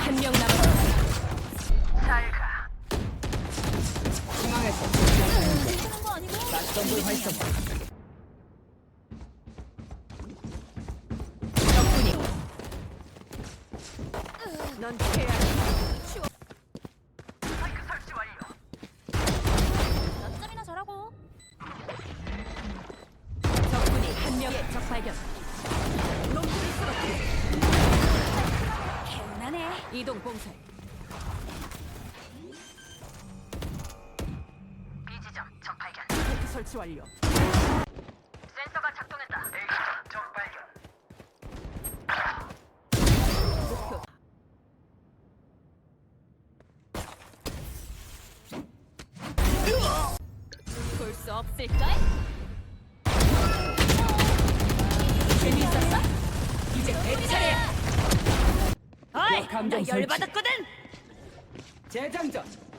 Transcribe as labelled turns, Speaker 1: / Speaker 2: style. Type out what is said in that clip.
Speaker 1: 한 명 남았습니다.
Speaker 2: 잘 가.
Speaker 3: 중앙에서
Speaker 1: 쓰는 거 아니고?
Speaker 3: 낯선불 활성.
Speaker 1: 적군이. 넌 피해야 해.
Speaker 2: 마이크 설치 완료.
Speaker 1: 몇 점이나 잘하고. 적군이 한 명의 적 발견. 놈들을 쓰러뜨려. 개운하네. 이동 봉쇄.
Speaker 2: 비지점 적 발견.
Speaker 1: 테크 설치 완료.
Speaker 2: 센서가 작동했다. A지점 적 발견.
Speaker 1: 목표. 볼 수 없을까? 재미있었어? 이제 내 차례야. 어이, 나
Speaker 3: 감정 설치.
Speaker 1: 열받았거든.
Speaker 3: 재장전.